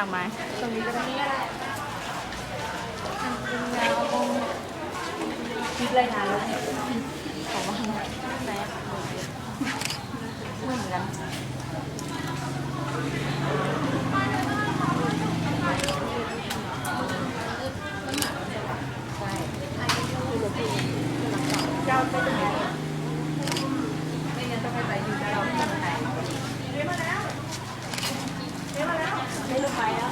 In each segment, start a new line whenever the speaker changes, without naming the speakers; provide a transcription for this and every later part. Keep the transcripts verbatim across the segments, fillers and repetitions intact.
ากไหมตรงนี้ก็ได้เป็นแนวคิดเลยนะแล้วของว่าไหนเหมือนกันเจ้าไปตรงไหนไม่งั้นต้องไปใส่อยู่เจ้าที่ไหนเรียกมาแล้วเรียกมาแล้วไม่ลงไปแล้ว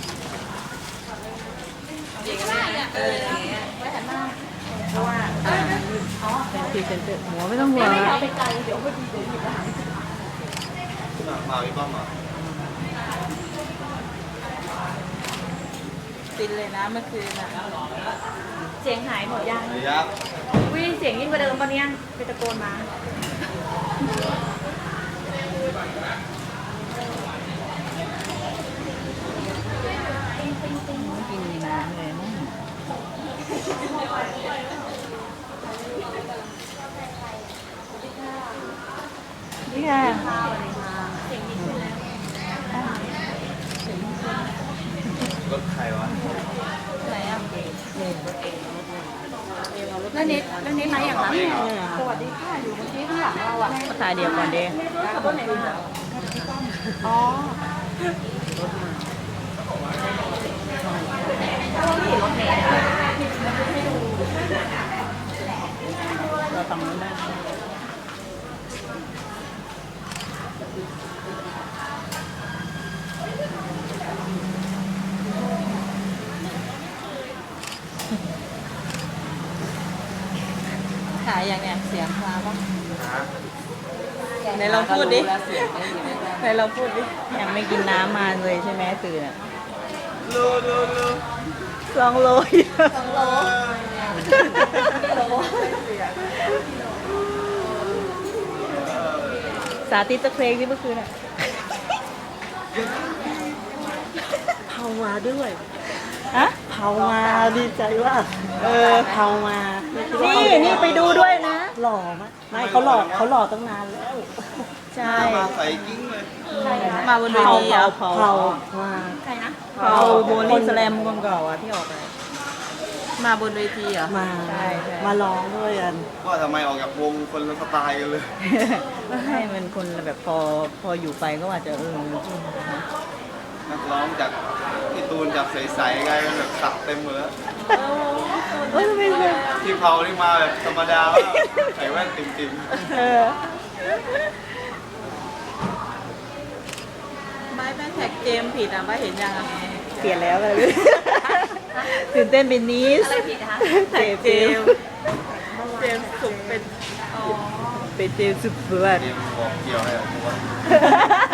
เด็กอะไรอ่ะเออไว้หันหน้าเพราะว่าอ๋อพรีเซนเตอร์หัวไม่ต้องหัวไม่เอาไปไกลเดี๋ยวพอดีเดี๋ยวหยิบอาหาร
มาอีกบ้างมา
ตินเลยนะเมื่อคืนอ่ะเสียงหายหมดยัง
ยับ
วิ่งเสียงยิ่งกว่าเดิมตอนนี้ไปตะโกนมากินน้ำเลยมั้งนี่ค่ะเสียงดีขึ้นแล้ว
รถใครวะ
ไหนอ่ะแล้วนิดแล้วนิดไหนอย่างนั้นสวัสดีค่ะอยู่เมื่อกี้ข้างหลังเราอ่ะภาษาเดียวกันเด้ขับรถไหนมาอ๋อเราไม่เห็นรถเมล์เราต่างนั้นได้ขายอย่างเนี้ยเสียงมาปะไหนเราพูดดิไหนเราพูดดิยังไม่กินน้ำมาเลยใช่ไหมตื่นอ่ะ
โลโลโล
สองโลสองโลสาธิตตะเพลงที่เมื่อคืนอ่ะ
เผามาด้วย
ฮะ
เผามาดีใจว่าเออเผามา
นี่นี่ไปดูด้วยนะ
หล่อมากไม่เขาหล่อเขาหล่อตั้งนานแล้ว
ใช่
มาใส่กิ้งเลย
มาบนเวทีอ่ะ
เผามา
ใครนะเผาโบลิ่งสแลมคนเก่าอ่ะที่ออกไปมาบนเวทีอ่ะ
มามาร้องด้วยกัน
ว่าทำไมออกจากวงคนละสไตล์กันเลย
ให้มันคนแบบพอพออยู่ไปก็อาจจะเออ
นักร้องจากที่ตูนจากใสๆกลายเป็นแบบสักเต็มหมดแล้ว
เออไม่เลย
ที่เผาที่มาแบบธรรมดาใส่แว่นติ่ม
ๆเออไม่แม่แท็กเจมผิดอ่ะไม่เห็นยังอ่ะเปลี่ยนแล้วเลยตื่นเต้นเป็นนิสอะไรผิดคะแท็กเจมเจมสุกเป็นอ๋อเป็นเจมสุกเพื่อน
เตรียมบอกเกี่ยวให้ผมว่า